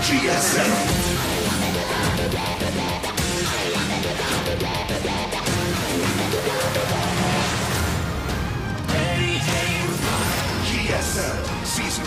GSL. GSL Season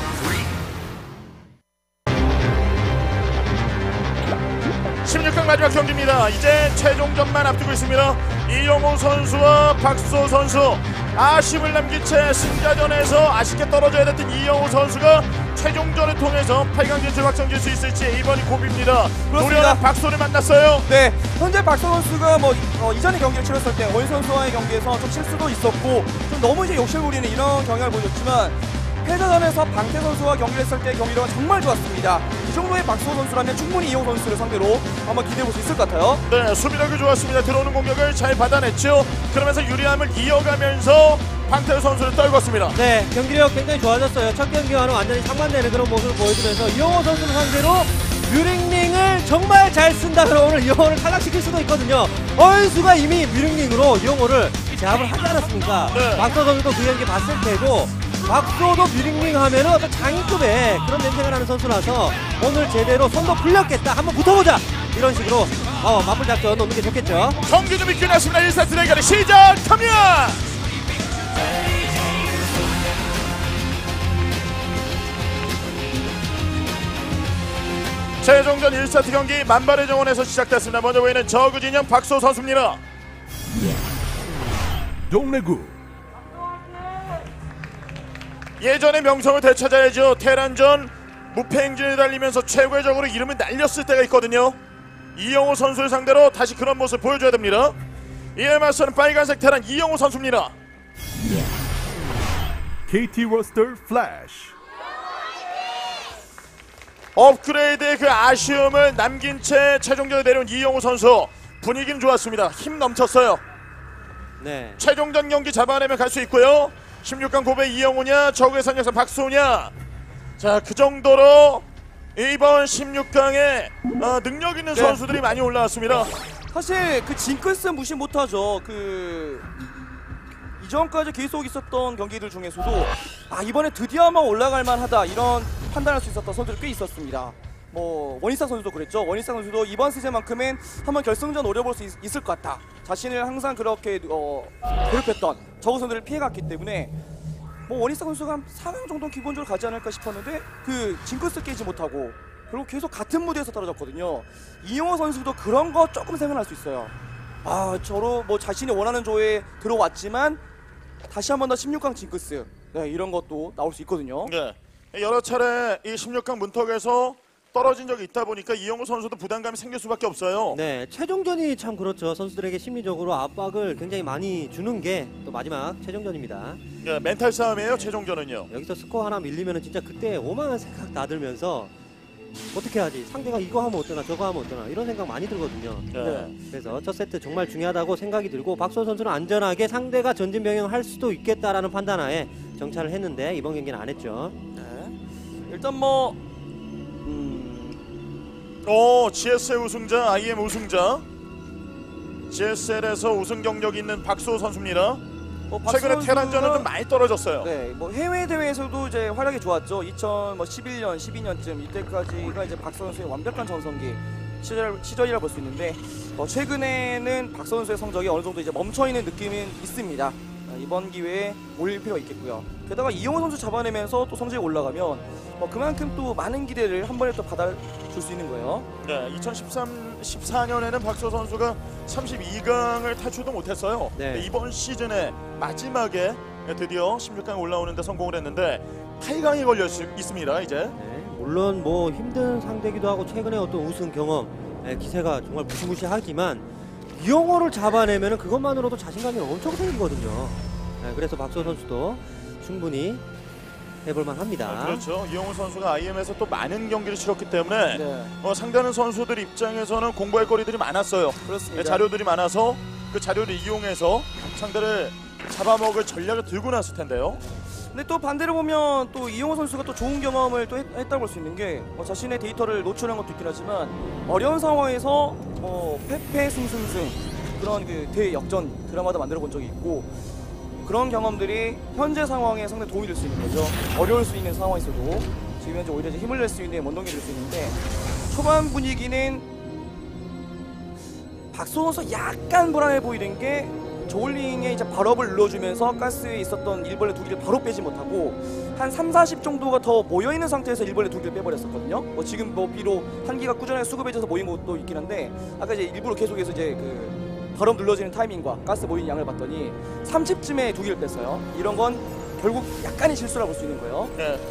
3. 16강 마지막 경기입니다. 이제 최종전만 앞두고 있습니다. 이영호 선수와 박소 선수, 아쉬움을 남긴 채 승자전에서 아쉽게 떨어져야 됐던 이영호 선수가 최종전을 통해서 8강 진출 확정질 수 있을지 이번이 고비입니다. 노련한 박소를 만났어요. 네, 현재 박소 선수가 이전의 경기를 치렀을 때 원 선수와의 경기에서 좀 실수도 있었고 좀 너무 이제 욕심 부리는 이런 경향을 보여줬지만 패자전에서 방태 선수와 경기를 했을 때 경기력은 정말 좋았습니다. 이 정도의 박소 선수라면 충분히 이영호 선수를 상대로 한번 기대해볼 수 있을 것 같아요. 네, 수비력이 좋았습니다. 들어오는 공격을 잘 받아냈죠. 그러면서 유리함을 이어가면서 방태 선수를 떨궜습니다. 네, 경기력 굉장히 좋아졌어요. 첫 경기와는 완전히 상반되는 그런 모습을 보여주면서 이영호 선수를 상대로 뮤링링을 정말 잘 쓴다 그러면 오늘 이영호를 탈락시킬 수도 있거든요. 얼수가 이미 뮤링링으로 이영호를 제압을 하지 않았습니까? 네. 박소 선수도 그 경기 봤을 테고 박소도 뮤링링 하면은 어떤 장인급의 그런 냄새가 나는 선수라서 오늘 제대로 손도 풀렸겠다, 한번 붙어보자 이런 식으로 맞불 작전 놓는 게 좋겠죠. 경기 준비 끝났습니다. 1세트 대결이 시작합니다. 최종전 1세트 경기 만발의 정원에서 시작됐습니다. 먼저 보이는 저그 진영 박소 선수입니다. 동래구 예전의 명성을 되찾아야죠. 테란전 무패 행진을 달리면서 최고의 적으로 이름을 날렸을 때가 있거든요. 이영호 선수를 상대로 다시 그런 모습을 보여줘야 됩니다. 이에 맞서는 빨간색 테란 이영호 선수입니다. KT 로스터 플래시 업그레이드의 그 아쉬움을 남긴 채 최종전에 내려온 이영호 선수, 분위기는 좋았습니다. 힘 넘쳤어요. 네. 최종전 경기 잡아내면 갈 수 있고요. 16강 고배 이영호냐, 저그의 선역사 박소냐, 자, 그 정도로 이번 16강에 능력 있는 선수들이 많이 올라왔습니다. 사실 그 징크스 무시 못하죠. 이전까지 계속 있었던 경기들 중에서도 이번에 드디어 한번 올라갈 만하다 이런 판단할 수 있었던 선수들이 꽤 있었습니다. 원희사 선수도 그랬죠. 원희사 선수도 이번 시즌만큼은 한번 결승전 노려볼 수 있을 것 같다. 자신을 항상 그렇게 괴롭혔던 저그 선수들을 피해갔기 때문에 원희사 선수가 한 4강 정도는 기본적으로 가지 않을까 싶었는데 그 징크스 깨지 못하고 그리고 계속 같은 무대에서 떨어졌거든요. 이영호 선수도 그런 거 조금 생각날 수 있어요. 저로 자신이 원하는 조에 들어왔지만 다시 한 번 더 16강 징크스 이런 것도 나올 수 있거든요. 네. 여러 차례 이 16강 문턱에서 떨어진 적이 있다 보니까 이영호 선수도 부담감이 생길 수밖에 없어요. 네, 최종전이 참 그렇죠. 선수들에게 심리적으로 압박을 굉장히 많이 주는 게 또 마지막 최종전입니다. 네, 멘탈 싸움이에요. 최종전은요. 여기서 스코어 하나 밀리면은 진짜 그때 오만한 생각 다 들면서 어떻게 하지? 상대가 이거 하면 어떠나 저거 하면 어떠나 이런 생각 많이 들거든요. 네. 그래서 첫 세트 정말 중요하다고 생각이 들고 박소 선수는 안전하게 상대가 전진 병행을 할 수도 있겠다라는 판단하에 정찰을 했는데 이번 경기는 안 했죠. 네. 일단 GSL 우승자, IM 우승자, GSL에서 우승 경력이 있는 박소 선수입니다. 최근에 테란전은 좀 많이 떨어졌어요. 네, 해외 대회에서도 이제 활약이 좋았죠. 2011년, 12년쯤 이때까지가 이제 박서 선수의 완벽한 전성기 시절이라 볼 수 있는데 최근에는 박서 선수의 성적이 어느 정도 이제 멈춰 있는 느낌은 있습니다. 이번 기회에 올릴 필요가 있겠고요. 게다가 이영호 선수 잡아내면서 또 성적이 올라가면 그만큼 또 많은 기대를 한 번에 또 받아줄 수 있는 거예요. 네, 2014년에는 박소 선수가 32강을 탈출도 못했어요. 네. 이번 시즌에 마지막에 드디어 16강 올라오는데 성공을 했는데 8강이 걸려 있습니다. 이제. 네, 물론 힘든 상대기도 하고 최근에 어떤 우승 경험, 기세가 정말 무시무시하지만 이영호를 잡아내면은 그것만으로도 자신감이 엄청 생기거든요. 네, 그래서 박소 선수도 충분히 해볼만 합니다. 그렇죠. 이영호 선수가 IM에서 또 많은 경기를 치렀기 때문에 상대하는 선수들 입장에서는 공부할 거리들이 많았어요. 그렇습니다. 자료들이 많아서 그 자료를 이용해서 상대를 잡아먹을 전략을 들고 났을 텐데요. 근데 또 반대로 보면 또 이영호 선수가 또 좋은 경험을 또 했다고 볼 수 있는 게 자신의 데이터를 노출한 것도 있긴 하지만 어려운 상황에서 패패 승승승 그런 그 대역전 드라마도 만들어 본 적이 있고 그런 경험들이 현재 상황에 상당히 도움이 될 수 있는 거죠. 어려울 수 있는 상황에서도 비면 오히려 이제 힘을 낼 수 있는 원동력이 될 수 있는데 초반 분위기는 박소 선수 약간 불안해 보이는 게 저울링에 이제 발업을 눌러주면서 가스에 있었던 일벌레 두 개를 바로 빼지 못하고 한 3-40 정도가 더 모여있는 상태에서 일벌레 두 개를 빼버렸었거든요. 뭐 지금 뭐 비록 한기가 꾸준하게 수급해져서 모인 것도 있긴 한데 아까 이제 일부러 계속해서 이제 그 발업 눌러지는 타이밍과 가스 모인 양을 봤더니 30쯤에 두 개를 뺐어요. 이런 건 결국 약간의 실수라 볼 수 있는 거예요. 네.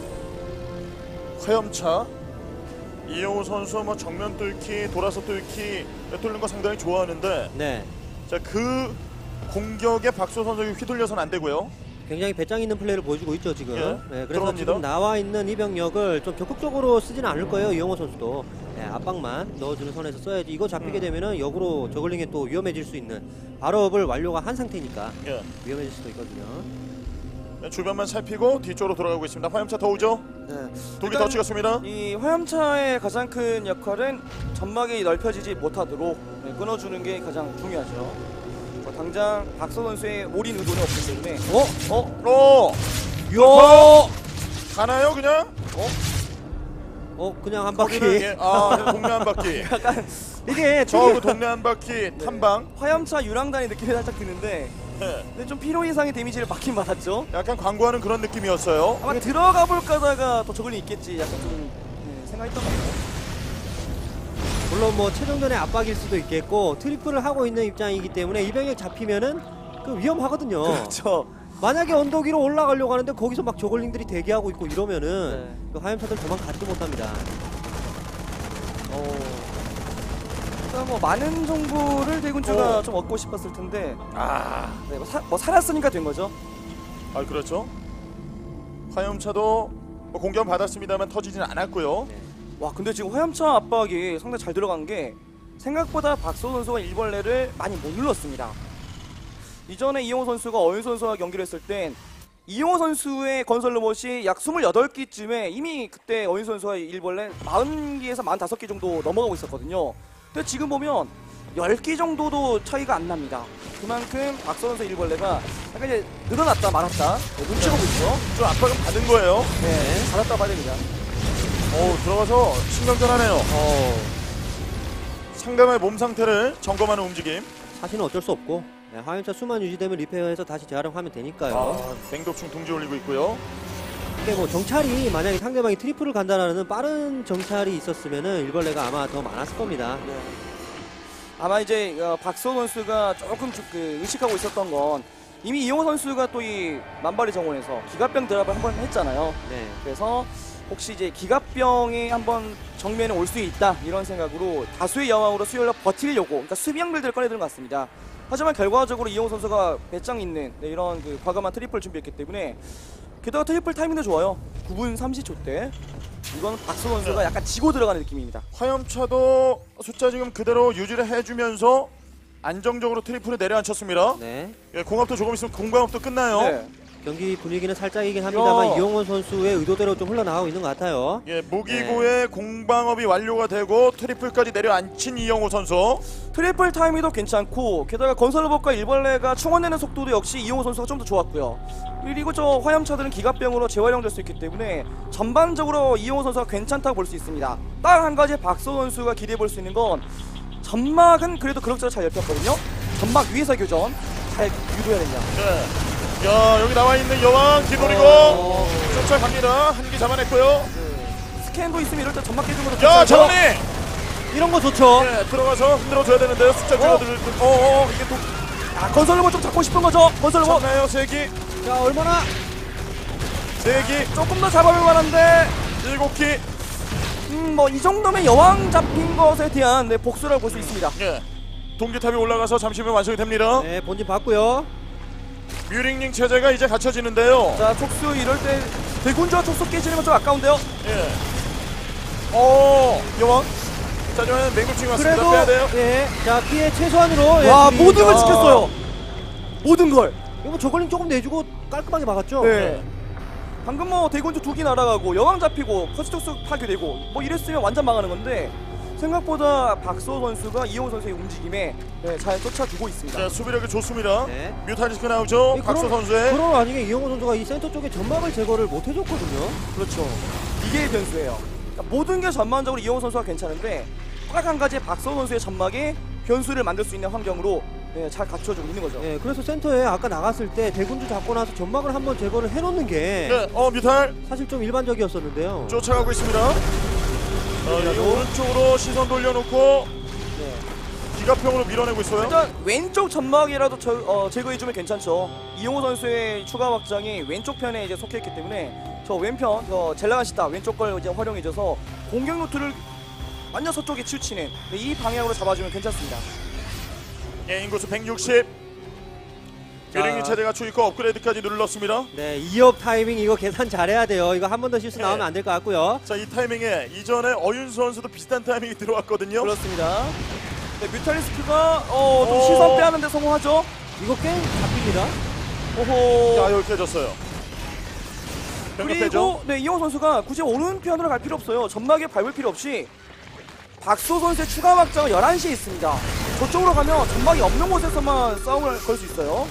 화염차 이영호 선수 뭐 정면 뚫기, 돌아서 뚫기 뚫는 거 상당히 좋아하는데 네. 자, 그 공격에 박소 선수가 휘둘려서는 안 되고요. 굉장히 배짱 있는 플레이를 보여주고 있죠 지금. 예, 네, 그래서 들어갑니다. 지금 나와 있는 이 병력을 좀 적극적으로 쓰지는 않을 거예요 이영호 선수도. 네, 압박만 넣어주는 선에서 써야지. 이거 잡히게 되면은 역으로 저글링에 또 위험해질 수 있는 발업을 완료가 한 상태니까 예. 위험해질 수도 있거든요. 네, 주변만 살피고 뒤쪽으로 돌아가고 있습니다. 화염차 더 오죠? 네. 독이 더 찍었습니다. 이 화염차의 가장 큰 역할은 점막이 넓혀지지 못하도록 끊어주는 게 가장 중요하죠. 당장 박서 선수의 올인 의도는 없기 때문에 오! 요! 가나요 그냥? 그냥 한 바퀴. 거기는 예. 아, 동네 한 바퀴. 이게 저그 동네 한 바퀴 탐방. 화염차 유랑단의 느낌이 살짝 드는데 네. 근데 좀 필요 이상의 데미지를 받긴 받았죠. 약간 광고하는 그런 느낌이었어요. 아마 들어가 볼까 하다가 또 저글링 있겠지 약간 좀 생각했던 것 같아요. 물론 뭐 최종전의 압박일 수도 있겠고 트리플을 하고 있는 입장이기 때문에 이 병력 잡히면은 그 위험하거든요. 그렇죠. 만약에 언덕 위로 올라가려고 하는데 거기서 막 저글링들이 대기하고 있고 이러면은 네. 그 화염차들 도망가지도 못합니다. 일단 뭐 많은 정보를 대군주가 좀 얻고 싶었을 텐데 네, 뭐 살았으니까 된 거죠. 아, 그렇죠. 화염차도 뭐 공격 받았습니다만 터지진 않았고요. 네. 와 근데 지금 화염차 압박이 상당히 잘 들어간 게 생각보다 박소 선수가 일벌레를 많이 못 눌렀습니다. 이전에 이용호 선수가 어윤 선수와 경기를 했을 땐 이용호 선수의 건설 로봇이 약 28기쯤에 이미 그때 어윤 선수와 일벌레 40기에서 45기 정도 넘어가고 있었거든요. 근데 지금 보면 10기 정도도 차이가 안 납니다. 그만큼 박소 선수 일벌레가 약간 이제 늘어났다 말았다 눈치 보고 있죠. 좀 압박은 받은 거예요. 네, 받았다 봐야 됩니다. 들어가서 신경전하네요. 상대방의 몸 상태를 점검하는 움직임. 사실은 어쩔 수 없고 네, 화염차 수만 유지되면 리페어해서 다시 재활용하면 되니까요. 맹독충 둥지 올리고 있고요. 근데 뭐 정찰이 만약에 상대방이 트리플을 간다라는 빠른 정찰이 있었으면은 일벌레가 아마 더 많았을 겁니다. 네. 아마 이제 박소 선수가 조금 의식하고 있었던 건 이미 이용호 선수가 또 이 만발의 정원에서 기갑병 드랍을 한번 했잖아요. 네. 그래서 혹시 이제 기갑병이 한번 정면에 올 수 있다 이런 생각으로 다수의 여왕으로 수혈력 버티려고 그러니까 수비형들을 꺼내드는 것 같습니다. 하지만 결과적으로 이용호 선수가 배짱 있는 이런 그 과감한 트리플을 준비했기 때문에 게다가 트리플 타이밍도 좋아요. 9분 30초 때 이건 박소 선수가 약간 지고 들어가는 느낌입니다. 화염차도 숫자 지금 그대로 유지를 해주면서 안정적으로 트리플을 내려앉혔습니다. 네. 예, 공업도 조금 있으면 공방업도 끝나요. 네. 경기 분위기는 살짝이긴 합니다만 야. 이용원 선수의 의도대로 좀 흘러나가고 있는 것 같아요. 예, 무기고의 공방업이 완료가 되고 트리플까지 내려앉힌 이영호 선수. 트리플 타이밍도 괜찮고 게다가 건설 로봇과 일벌레가 충원내는 속도도 역시 이용호 선수가 좀 더 좋았고요. 그리고 저 화염차들은 기갑병으로 재활용될 수 있기 때문에 전반적으로 이용호 선수가 괜찮다고 볼 수 있습니다. 딱 한 가지 박소 선수가 기대해 볼 수 있는 건 점막은 그래도 그럭저럭 잘 넓혔거든요. 점막 위에서 교전 잘 유도해야 됩니다. 네. 야, 여기 나와 있는 여왕 기돌이고 쫓아갑니다. 한 개 잡아냈고요. 스캔도 있으면 이럴 때 점막 깨진 것도 야, 괜찮죠? 정리. 이런 거 좋죠. 예, 들어가서 흔들어줘야 되는데요. 숫자 줄어들. 이게 또 건설 로봇 좀 잡고 싶은 거죠? 건설 로봇 잡나요? 세 기, 자, 얼마나 세 기, 조금 더 잡아볼 만한데 7기. 뭐 이 정도면 여왕 잡힌 것에 대한 복수라고 볼 수 있습니다. 예. 동기탑이 올라가서 잠시 후면 완성이 됩니다. 네, 본진 봤고요. 뮤링링 체제가 이제 갖춰지는데요. 자, 촉수 이럴 때 대군주와 촉수 깨지는 건 좀 아까운데요. 예. 여왕. 자, 저는 맹독충이 왔습니다. 그래도 빼야 돼요. 예, 자 피해 최소한으로 와, 둘이- 모든 걸 아, 지켰어요. 모든 걸. 이거 뭐 저걸링 조금 내주고 깔끔하게 막았죠. 네. 방금 뭐 대군주 2기 날아가고 여왕 잡히고 커스톡스 파괴되고 뭐 이랬으면 완전 망하는 건데 생각보다 박소 선수가 이용호 선수의 움직임에 잘 쫓아주고 있습니다. 자, 수비력이 좋습니다. 네. 뮤탈리스크 나오죠. 이 박소 그런- 선수의. 그런 와중에 이영호 선수가 이 센터 쪽에 점막을 제거를 못 해줬거든요. 그렇죠. 이게 변수예요. 그러니까 모든 게 전반적으로 이영호 선수가 괜찮은데 딱 한 가지 박성호 선수의 전막에 변수를 만들 수 있는 환경으로 네, 잘 갖춰주고 있는 거죠. 예, 그래서 센터에 아까 나갔을 때 대군주 잡고 나서 점막을 한번 제거를 해놓는 게 네, 뮤탈 사실 좀 일반적이었었는데요. 쫓아가고 있습니다. 이 오른쪽으로 시선 돌려놓고 네. 기갑형으로 밀어내고 있어요. 일단 왼쪽 점막이라도 제거해주면 괜찮죠. 이영호 선수의 추가 확장이 왼쪽 편에 이제 속해있기 때문에 저 왼편, 젤라가시타 왼쪽 걸 이제 활용해줘서 공격 루트를 완전 서쪽에 치우치는 이 방향으로 잡아주면 괜찮습니다. 예, 인구수 160. 뇌링이 체제 갖추고 있고 업그레이드까지 눌렀습니다. 네, 2업 타이밍 이거 계산 잘해야 돼요. 이거 한 번 더 실수 네. 나오면 안 될 것 같고요. 자, 이 타이밍에 이전에 어윤수 선수도 비슷한 타이밍이 들어왔거든요. 그렇습니다. 네, 뮤탈리스크가 좀 시선 빼하는데 성공하죠. 이거 게임 잡힙니다. 오호. 야, 여기 깨졌어요. 그리고 네, 이영호 선수가 굳이 오른편으로 갈 필요 없어요. 점막에 밟을 필요 없이 박소 선수의 추가 확장은 11시에 있습니다. 저쪽으로 가면 점막이 없는 곳에서만 싸움을 걸 수 있어요.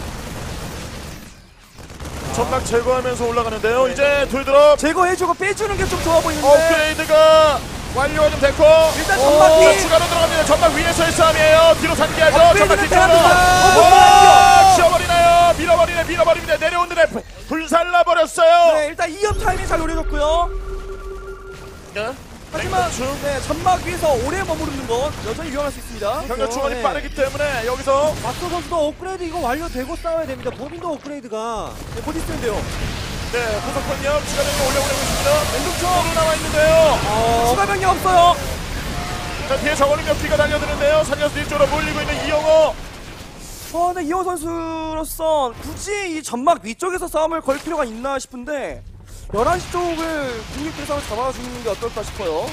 점막 제거하면서 올라가는데요. 이제 돌드롭 제거해주고 빼주는 게 좀 좋아 보이는데 업그레이드가 완료가 좀 됐고 일단 점막이 추가로 들어갑니다. 점막 위에서의 싸움이에요. 뒤로 상기하죠. 점막 뒤쪽으로 대단합니다. 치워버리나요. 밀어버립니다. 내려오는데 불살라버렸어요. 네, 일단 2업 타이밍 잘 노려줬고요. 네. 하지만 네, 점막 위에서 오래 머무르는 건 여전히 위험할 수 있습니다. 병력 충원이 네. 빠르기 때문에 여기서 박소 선수도 업그레이드 이거 완료되고 싸워야 됩니다. 본인도 업그레이드가 네, 곧 있으면돼요. 네, 고속권력 추가적으로 올려보내고 있습니다. 맹독충으로 나와 있는데요. 추가 병력 없어요. 자, 뒤에 저거는 몇 기가 달려드는데요. 살려서 뒤쪽으로 몰리고 있는 이영호. 네, 이영호 선수로서 굳이 이 점막 위쪽에서 싸움을 걸 필요가 있나 싶은데 11시 쪽을 국립대상을 잡아주는 게 어떨까 싶어요.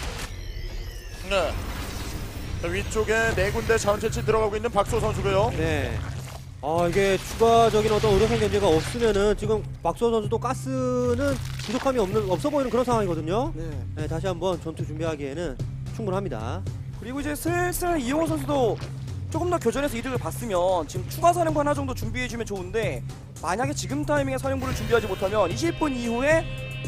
네. 자, 위쪽에 네 군데 자원 채취 들어가고 있는 박소 선수고요. 네. 이게 추가적인 어떤 의료선 견제가 없으면은 지금 박수호 선수도 가스는 부족함이 없어 보이는 그런 상황이거든요. 네. 네, 다시 한번 전투 준비하기에는 충분합니다. 그리고 이제 슬슬 이영호 선수도 조금 더 교전에서 이득을 봤으면 지금 추가 사령부 하나 정도 준비해주면 좋은데 만약에 지금 타이밍에 사령부를 준비하지 못하면 20분 이후에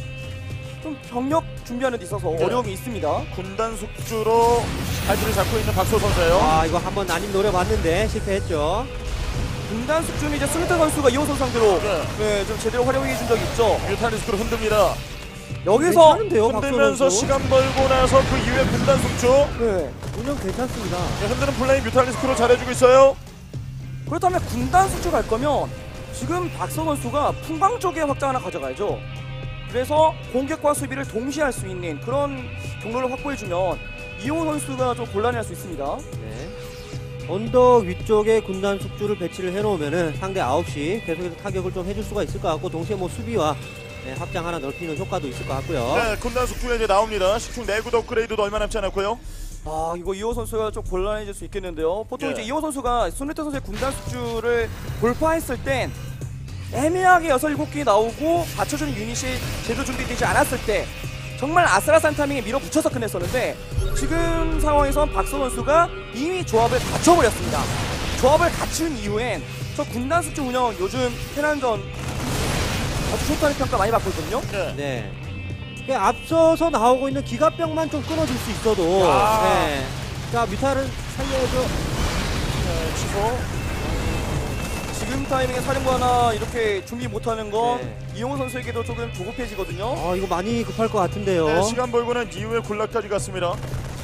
좀 병력 준비하는 데 있어서 네. 어려움이 있습니다. 군단 숙주로 발길을 잡고 있는 박소 선수예요. 이거 한번 난임 노려봤는데 실패했죠. 분단 숙주는 이제 스미트 선수가 이영호 선수 상대로 네, 좀 제대로 활용해준 적이 있죠. 뮤탈리스크로 흔듭니다. 여기서 괜찮은데요, 박수호 흔들면서 선수. 시간 벌고 나서 그 이후에 군단 숙주. 네. 운영 괜찮습니다. 네, 흔드는 플레이 뮤탈리스크로 잘해주고 있어요. 그렇다면 군단 숙주 갈 거면 지금 박성 선수가 풍광 쪽에 확장 하나 가져가야죠. 그래서 공격과 수비를 동시에 할 수 있는 그런 경로를 확보해주면 이용호 선수가 좀 곤란해할 수 있습니다. 네. 언덕 위쪽에 군단 숙주를 배치를 해놓으면은 상대 9시 계속해서 타격을 좀 해줄 수가 있을 것 같고 동시에 뭐 수비와 확장 하나 넓히는 효과도 있을 것 같고요. 네, 군단 숙주가 이제 나옵니다. 식충 내구도 업그레이드도 얼마 남지 않았고요. 이거 이호 선수가 좀 곤란해질 수 있겠는데요. 보통 예. 이제 이호 선수가 손흥민 선수의 군단 숙주를 돌파했을 땐 애매하게 6, 7개 나오고 받쳐주는 유닛이 제대로 준비되지 않았을 때 정말 아슬아슬한 타이밍에 밀어붙여서 끝냈었는데 지금 상황에선 박서 선수가 이미 조합을 갖춰버렸습니다. 조합을 갖춘 이후엔 저 군단 숙주 운영 요즘 테란전 아주 좋다는 평가 많이 받고 있거든요. 네. 네. 이게 앞서서 나오고 있는 기갑병만 좀 끊어줄 수 있어도 네. 자 뮤탈은 살려야죠. 네, 취소. 지금 타이밍에 사령부 하나 이렇게 준비 못하는 건 네. 이용호 선수에게도 조금 조급해지거든요. 이거 많이 급할 것 같은데요. 네, 시간 벌고는 이후에 군락까지 갔습니다.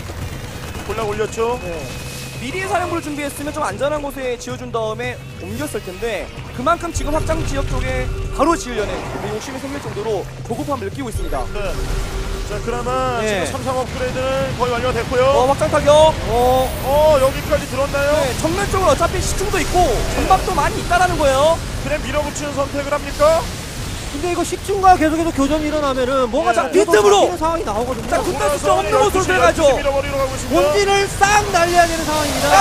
군락 올렸죠. 네. 미리 사령부를 준비했으면 좀 안전한 곳에 지어준 다음에 옮겼을 텐데 그만큼 지금 확장 지역 쪽에 바로 지으려는 욕심이 생길 정도로 조급함을 느끼고 있습니다. 네. 자, 그나마 네. 지금 3, 3 업그레이드는 거의 완료가 됐고요. 확장 타격. 여기까지 들었나요? 네, 정면 쪽은 어차피 시중도 있고 전박도 많이 있다라는 거예요. 그냥 밀어붙이는 선택을 합니까? 근데 이거 식중과 계속해서 교전이 일어나면은 뭐가 자, 잡혀도 빈틈으로! 잡히는 상황이 나오거든요. 자, 군단 숙주 없는 곳으로 들어가죠. 밀어버리러 가고 있습니다. 본진을 싹 날려야 되는 상황입니다.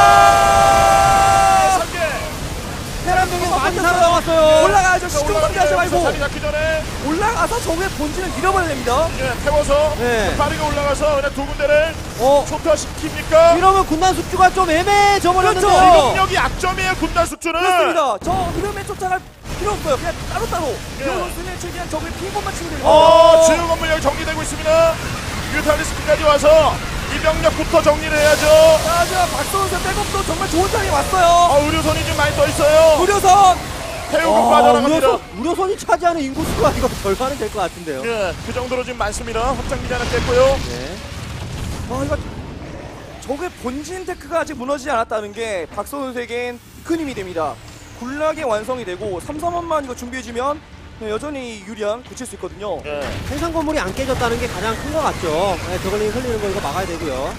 아! 3개. 테란 병력 많이 살아남았어요. 올라가야죠. 시중 상대하지 말고 자리 잡기 전에 올라가서 저의 본진을 밀어버려야 됩니다. 태워서 네. 빠르게 올라가서 그냥 두 군데를 어, 초토화시킵니까? 이러면 군단 숙주가 좀 애매해져 버렸는데요. 그렇죠. 기동력이 약점이에요, 군단 숙주는. 그렇습니다. 저 흐름에 쫓아갈 필요 없어요. 그냥 따로따로 이영호 선수는 최대한 적을 피한 것만 치면 됩니다. 주요 건물 여기 정리되고 있습니다. 뮤탈리스크까지 와서 이 병력부터 정리를 해야죠. 자, 박성훈 선수 백업도 정말 좋은 타임이 왔어요. 의료선이 좀 많이 떠 있어요. 무려선 태우고 빠져나갑니다. 우려선이 차지하는 인구수가 이거 절반은 될 것 같은데요. 예, 그 정도로 지금 많습니다. 확장기지 하나 깼고요. 네. 이거 적의 본진 테크가 아직 무너지지 않았다는 게 박성훈 선수에겐 큰 힘이 됩니다. 군락이 완성이 되고 3-3원만 이거 준비해주면 여전히 유리한 굳힐 수 있거든요. 예. 생산 건물이 안 깨졌다는 게 가장 큰 것 같죠. 네, 저글링 흘리는 거 이거 막아야 되고요.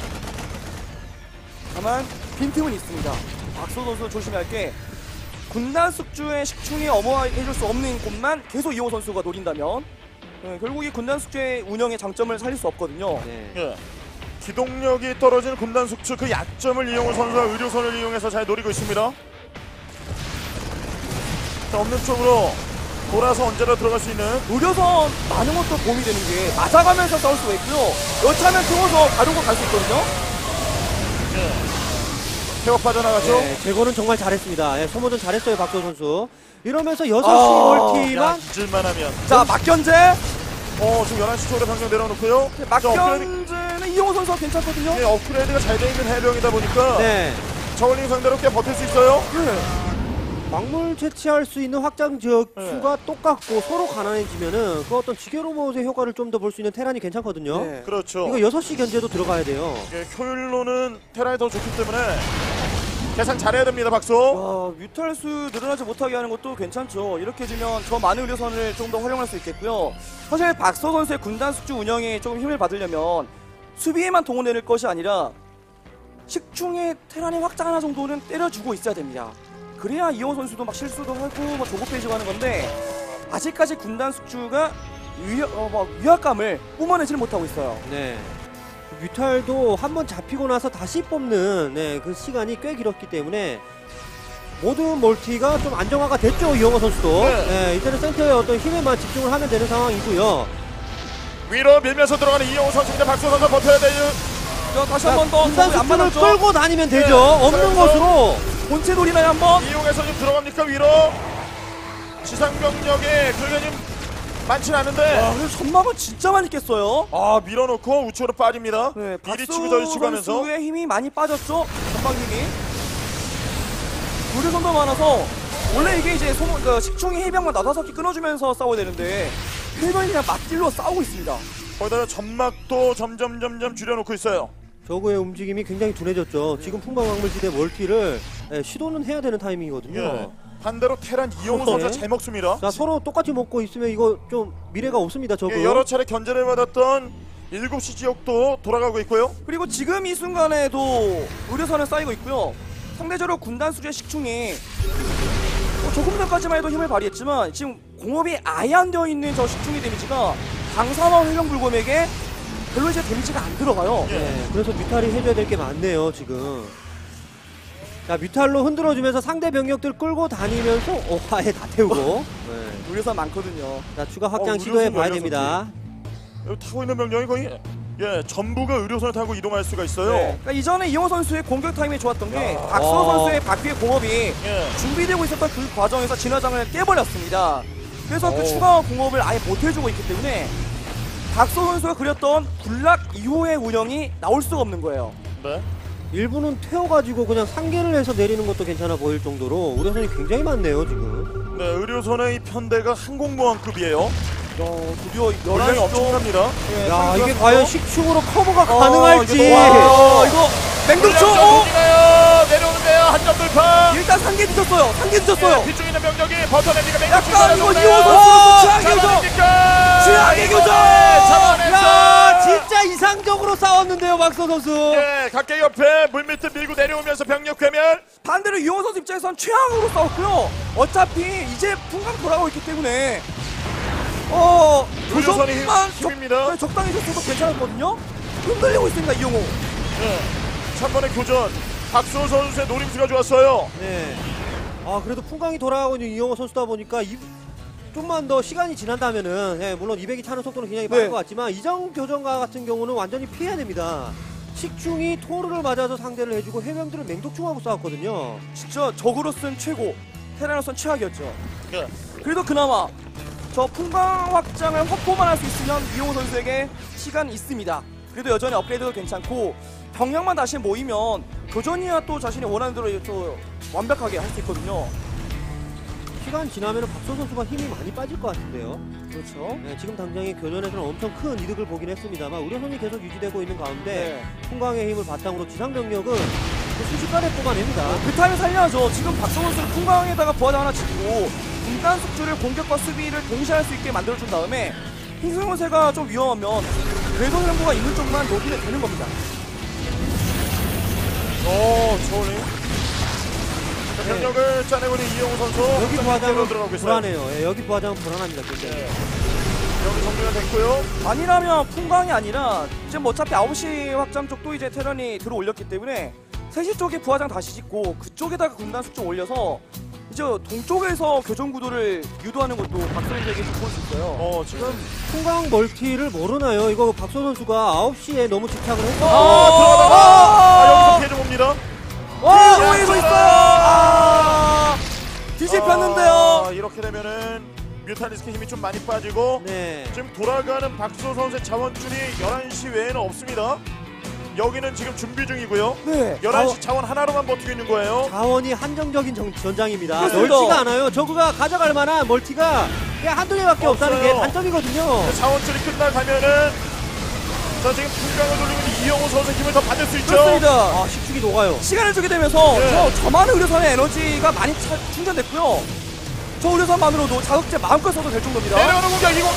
다만 빈틈은 있습니다. 박성훈 선수 조심해야 할 게 군단 숙주의 식충이 어머해줄 수 없는 곳만 계속 이용호 선수가 노린다면 결국 이 군단 숙주의 운영의 장점을 살릴 수 없거든요. 네. 예. 기동력이 떨어지는 군단 숙주 그 약점을 이용호 선수가 의료선을 이용해서 잘 노리고 있습니다. 자, 없는 쪽으로 돌아서 언제나 들어갈 수 있는 노려서 많은 것도 도움이 되는 게 맞아가면서 싸울 수가 있고요. 여차하면 태워서 가려고 갈 수 있거든요. 태워 빠져나가죠. 네, 제거는 정말 잘했습니다. 예, 소모전 잘했어요, 박도 선수. 이러면서 6시 야, 멀티만 잊을만 하면. 자, 막견제. 지금 11시 쪽으로 방금 내려놓고요. 막견제는 이용호 선수가 괜찮거든요. 네, 업그레이드가 잘 돼 있는 해병이다 보니까 네. 저울링 상대로 꽤 버틸 수 있어요. 광물 채취할 수 있는 확장 지역 수가 똑같고 서로 가난해지면은 그 어떤 지게 로봇의 효과를 좀 더 볼 수 있는 테란이 괜찮거든요. 네. 그렇죠. 이거 6시 견제도 들어가야 돼요. 예, 효율로는 테라이 더 좋기 때문에 계산 잘해야 됩니다, 박수. 뮤탈수 늘어나지 못하게 하는 것도 괜찮죠. 이렇게 해주면 저 많은 의료선을 좀 더 활용할 수 있겠고요. 사실 박서 선수의 군단 숙주 운영에 조금 힘을 받으려면 수비에만 동원될 것이 아니라 식충의 테란의 확장 하나 정도는 때려주고 있어야 됩니다. 그래야 이호 선수도 막 실수도 하고 뭐 조급해지고 하는 건데 아직까지 군단 숙주가 위압감을 뿜어내지를 못하고 있어요. 네. 뮤탈도 한번 잡히고 나서 다시 뽑는 그 시간이 꽤 길었기 때문에 모든 멀티가 좀 안정화가 됐죠. 이영호 선수도. 네. 이제는 센터에 어떤 힘에만 집중을 하면 되는 상황이고요. 위로 밀면서 들어가는 이영호 선수입니다. 박수 선수 버텨야 돼요. 다시 한 번 더 군단 안 숙주를 맞았죠? 끌고 다니면 되죠. 네. 없는 그래서 것으로. 본체 돌이나요 한번? 이용해서 좀 들어갑니까 위로? 지상 병력에 그게 좀 많지는 않은데. 그래서 전막을 진짜 많이 깼어요. 밀어놓고 우측으로 빠집니다. 네, 이리 박수 치고 저리 치고 하면서. 선수의 힘이 많이 빠졌죠. 전방 힘이. 무리선도 많아서 원래 이게 이제 식충이 해병만 5개 끊어주면서 싸워야 되는데 해병이 그냥 맞딜로 싸우고 있습니다. 거기다가 점막도 점점 줄여놓고 있어요. 저그의 움직임이 굉장히 둔해졌죠. 지금 풍방광물지대 멀티를 시도는 해야 되는 타이밍이거든요. 예. 반대로 테란 이영호 네. 선수가 잘 먹습니다. 자, 서로 똑같이 먹고 있으면 이거 좀 미래가 없습니다. 저그. 예, 여러 차례 견제를 받았던 7시 지역도 돌아가고 있고요. 그리고 지금 이 순간에도 의료선은 쌓이고 있고요. 상대적으로 군단 수주의 식충이 조금 전까지만 해도 힘을 발휘했지만 지금 공업이 아예 안 되어 있는 저 식충의 데미지가 강사와 회병불곰에게 별로 이제 데미지가 안 들어가요. 네, 그래서 뮤탈이 해줘야 될 게 많네요, 지금. 자, 뮤탈로 흔들어주면서 상대 병력들 끌고 다니면서 화에 다 태우고. 네. 의료선 많거든요. 자, 추가 확장 의료선 시도해 봐야 열렸었지. 됩니다. 여기 타고 있는 병력이 거의 전부가 의료선을 타고 이동할 수가 있어요. 네. 그러니까 이전에 이영호 선수의 공격 타임이 좋았던 게 야. 박서 선수의 바퀴의 공업이 예. 준비되고 있었던 그 과정에서 진화장을 깨버렸습니다. 그래서 그 오. 추가 공업을 아예 못 해주고 있기 때문에 박서 선수가 그렸던 군락 이후의 운영이 나올 수가 없는 거예요. 네. 일부는 태워가지고 그냥 상계를 해서 내리는 것도 괜찮아 보일 정도로 우려선이 굉장히 많네요, 지금. 네, 의료선의 이 편대가 항공모함급이에요. 드디어 분량이 11시 쪽 엄청납니다. 예, 야, 이게 상승하면서 과연 식충으로 커버가 가능할지. 이거 맹독초 내려오는데요. 한 점 돌파. 일단 상계 뒤졌어요. 상계 뒤졌어요. 뒤쪽에 있는 병력이 버텨냅니까? 약간 이거 이호 선수 최악의 교전. 최악의 교전. 야, 진짜 이상적으로 싸웠는데요, 박서 선수. 예, 각계 옆에 물밑을 밀고 내려오면서 병력 괴멸. 반대로 이호 선수 입장에선 최악으로 싸웠고요. 어차피 이제 풍강 돌아오고 있기 때문에 의료선이 조금만 힘입니다. 적당히 줬어도 괜찮았거든요. 흔들리고 있습니다 이용호. 네. 3번의 교전. 박수호 선수의 노림수가 좋았어요. 네. 그래도 풍광이 돌아가고 있는 이영호 선수다 보니까 좀만 더 시간이 지난다면은 물론 200이 차는 속도는 굉장히 빠를 네. 것 같지만 이정 교전가 같은 경우는 완전히 피해야 됩니다. 식충이 토르를 맞아서 상대를 해주고 해병들은 맹독충하고 싸웠거든요. 진짜 적으로선 최고, 테라로선 최악이었죠. 네. 그래도 그나마 저 풍광 확장을 확보만 할 수 있으면 이용호 선수에게 시간이 있습니다. 그래도 여전히 업그레이드도 괜찮고 병력만 다시 모이면 교전이야 또 자신이 원하는 대로 또 완벽하게 할 수 있거든요. 시간 지나면 박소 선수가 힘이 많이 빠질 것 같은데요. 그렇죠. 네, 지금 당장의 교전에서는 엄청 큰 이득을 보긴 했습니다만 우려선이 계속 유지되고 있는 가운데 풍광의 힘을 바탕으로 지상 병력은 순식간에 뽑아냅니다. 그 타임을 살려야죠. 지금 박성호 선수는 풍광에다가 부하장 하나 짓고 분단 숙주를 공격과 수비를 동시에 할 수 있게 만들어준 다음에 흰승호세가 좀 위험하면 궤도 정보가 있는 쪽만 녹이면 되는 겁니다. 저울링. 병력을 짜내고 있는 이영호 선수. 여기 부하장은 들어가고 있어요. 불안해요. 예, 여기 부하장은 불안합니다. 굉장히. 여기 정리가 됐고요. 아니라면 풍광이 아니라 지금 어차피 9시 확장 쪽도 이제 테란이 들어올렸기 때문에 3시 쪽에 부하장 다시 짓고 그쪽에다가 군단 숙주 올려서 이제 동쪽에서 교전 구도를 유도하는 것도 박선수에게 좀 볼 수 있어요. 지금 풍광 멀티를 모르나요? 이거 박소 선수가 9시에 너무 집착을 했어. 들어가다가 여기서 피해 좀 옵니다. 보이고 있어요. 뒤집혔는데요. 이렇게 되면은 뮤탈리스크 힘이 좀 많이 빠지고 네. 지금 돌아가는 박수호 선수의 자원줄이 11시 외에는 없습니다. 여기는 지금 준비 중이고요. 네. 11시 자원 하나로만 버티고 있는 거예요. 자원이 한정적인 전장입니다. 그렇습니다. 넓지가 않아요. 저그가 가져갈 만한 멀티가 그냥 한두 개밖에 없다는 게 없어요. 단점이거든요. 자원줄이 끝나가면은 자 지금 풍광을 돌리고 있는 이영호 선수의 힘을 더 받을 수 있죠. 그렇습니다. 아, 식축이 녹아요. 시간을 주게 되면서 네. 저만의 의료선의 에너지가 많이 충전됐고요. 저 의료선만으로도 자극제 마음껏 써도 될 정도입니다. 내려오는 공격 이거.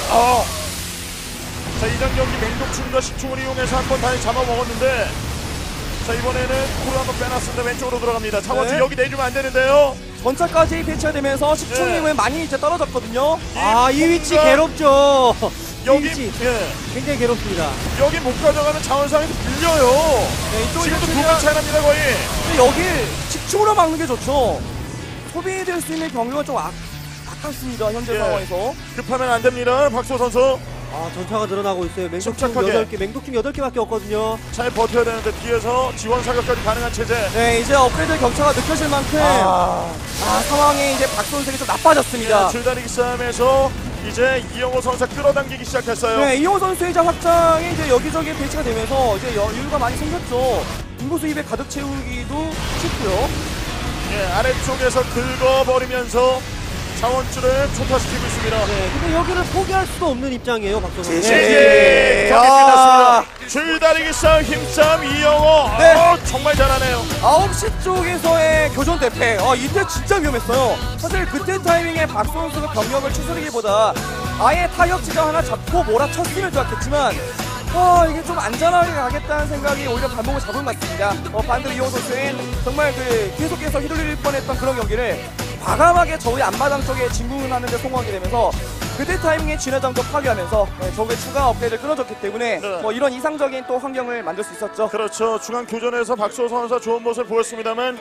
자 이전 경기 맹독충과 식충을 이용해서 한 번 다시 잡아먹었는데 자 이번에는 코를 한번 빼놨습니다. 왼쪽으로 들어갑니다. 자원줄 네. 여기 내주면 안 되는데요. 전차까지 배치가 되면서 식충님은 많이 이제 떨어졌거든요. 이 위치 괴롭죠. 이 여기 위치 예 굉장히 괴롭습니다. 여기 못 가져가면 자원상에서 밀려요. 네, 이쪽 지금도 이제 두번 차이 납니다 거의. 근데 여기 식충으로 막는 게 좋죠. 소비될 수 있는 병력은 좀 아깝습니다. 현재 예. 상황에서. 급하면 안 됩니다. 박수호 선수 전차가 늘어나고 있어요. 맹독충 침착하게. 8개, 맹독충 8개밖에 없거든요. 잘 버텨야 되는데 뒤에서 지원 사격까지 가능한 체제. 네, 이제 업그레이드 격차가 느껴질 만큼 상황이 이제 박선수에게 좀 나빠졌습니다. 줄다리기 싸움에서 이제 이영호 선수가 끌어당기기 시작했어요. 네, 이용호 선수의 이제 확장이 이제 여기저기 배치가 되면서 이제 여유가 많이 생겼죠. 인구수 200 가득 채우기도 쉽고요. 예, 아래쪽에서 긁어버리면서 자원줄을 초타시키고 있습니다. 네, 근데 여기를 포기할 수도 없는 입장이에요, 박소 선수. 예, 경기 끝났습니다. 줄다리기 싸움 힘싸움 이영호. 네. 정말 잘하네요. 9시 쪽에서의 교전 대패. 이때 진짜 위험했어요. 사실 그때 타이밍에 박수 선수가 병력을 추스르기보다 아예 타격 지점 하나 잡고 몰아쳤으면 좋았겠지만 이게 좀 안전하게 가겠다는 생각이 오히려 발목을 잡은 것 같습니다. 반대로 이용호 선수는 정말 계속해서 휘둘릴 뻔했던 그런 경기를 과감하게 저의 앞마당 쪽에 진군하는 데 성공하게 되면서 그때 타이밍에 진화장도 파괴하면서 적의 추가 업그레이드를 끊어줬기 때문에 네. 이런 이상적인 또 환경을 만들 수 있었죠. 그렇죠. 중앙 교전에서 박수호 선수가 좋은 모습을 보였습니다만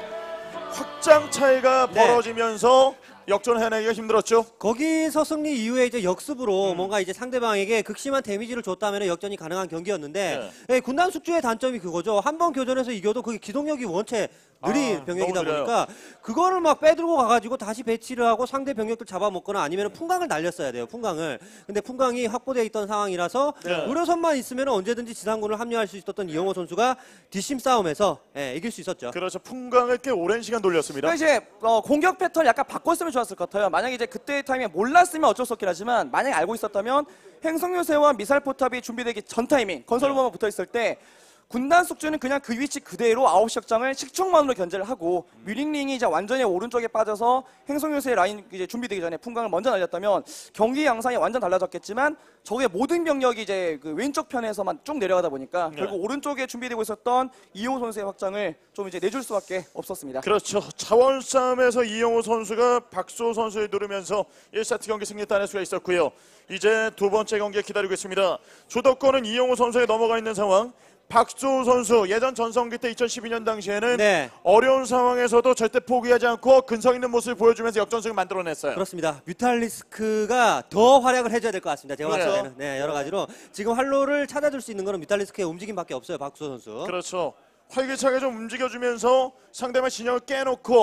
확장 차이가 네. 벌어지면서 역전해내기가 힘들었죠. 거기서 승리 이후에 이제 역습으로 뭔가 이제 상대방에게 극심한 데미지를 줬다면 역전이 가능한 경기였는데 군단 숙주의 단점이 그거죠. 한 번 교전에서 이겨도 그게 기동력이 원체 느린 병력이다 너무 느려요. 보니까 그거를 막 빼들고 가가지고 다시 배치를 하고 상대 병력들 잡아먹거나 아니면 풍광을 날렸어야 돼요. 풍광을. 근데 풍광이 확보되어 있던 상황이라서 의료선만 있으면 언제든지 지상군을 합류할 수 있었던 이영호 선수가 뒷심 싸움에서 이길 수 있었죠. 그렇죠. 풍광을 꽤 오랜 시간 돌렸습니다. 그러니까 이제 공격 패턴 약간 바꿨으면 좋았을 것 같아요. 만약에 이제 그때 타이밍에 몰랐으면 어쩔 수 없긴 하지만 만약에 알고 있었다면 행성요새와 미사일 포탑이 준비되기 전 타이밍 건설로만 붙어 있을 때 군단 숙주는 그냥 그 위치 그대로 9시 확장을 식충만으로 견제를 하고 뮤링링이 이제 완전히 오른쪽에 빠져서 행성요새 라인 이제 준비되기 전에 풍광을 먼저 날렸다면 경기 양상이 완전 달라졌겠지만 적의 모든 병력이 이제 그 왼쪽 편에서만 쭉 내려가다 보니까 결국 오른쪽에 준비되고 있었던 이용호 선수의 확장을 좀 이제 내줄 수밖에 없었습니다. 그렇죠. 자원 싸움에서 이영호 선수가 박수호 선수를 누르면서 1세트 경기 승리 따낼 수가 있었고요. 이제 두 번째 경기에 기다리고 있습니다. 주도권은 이영호 선수에 넘어가 있는 상황. 박수호 선수 예전 전성기 때 2012년 당시에는 어려운 상황에서도 절대 포기하지 않고 근성 있는 모습을 보여주면서 역전승을 만들어냈어요. 그렇습니다. 뮤탈리스크가 더 활약을 해줘야 될 것 같습니다. 제가 봤을 때는. 네, 여러 가지로 지금 활로를 찾아줄 수 있는 거는 뮤탈리스크의 움직임밖에 없어요. 박수호 선수. 그렇죠. 활기차게 좀 움직여주면서 상대방 진영을 깨놓고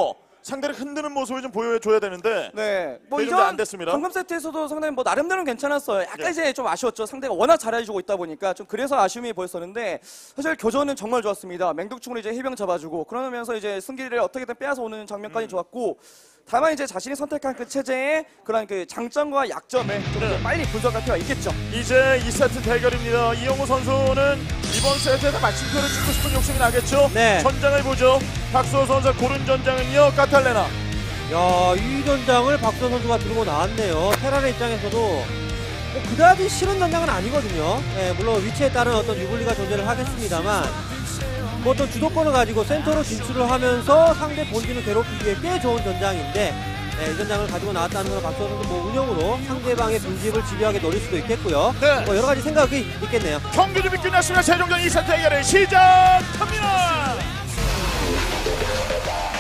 상대를 흔드는 모습을 좀 보여줘야 되는데 네, 뭐 그게 좀안 이전 됐습니다. 방금 세트에서도 상당히 뭐 나름대로는 괜찮았어요. 약간 예. 이제 좀 아쉬웠죠. 상대가 워낙 잘해주고 있다 보니까 좀 그래서 아쉬움이 보였었는데 사실 교전은 정말 좋았습니다. 맹독충으로 이제 해병 잡아주고 그러면서 이제 승기를 어떻게든 빼앗아 오는 장면까지 좋았고. 다만 이제 자신이 선택한 그 체제의 그런 그 장점과 약점을 좀 이제 빨리 분석할 필요가 있겠죠. 이제 2세트 대결입니다. 이영호 선수는 이번 세트에서 마침표를 찍고 싶은 욕심이 나겠죠. 네. 전장을 보죠. 박수호 선수 고른 전장은요. 카탈레나. 야, 이 전장을 박수호 선수가 들고 나왔네요. 테란의 입장에서도 뭐 그다지 싫은 전장은 아니거든요. 네, 물론 위치에 따른 어떤 유불리가 존재를 하겠습니다만 뭐 어떤 주도권을 가지고 센터로 진출을 하면서 상대 본진을 괴롭히기에 꽤 좋은 전장인데 네, 이 전장을 가지고 나왔다는 건 박수호 선수 뭐 운영으로 상대방의 빈집을 집요하게 노릴 수도 있겠고요. 네. 뭐 여러 가지 생각이 있겠네요. 경기 준비 끝났습니다. 최종전 2세트 대결을 시작합니다.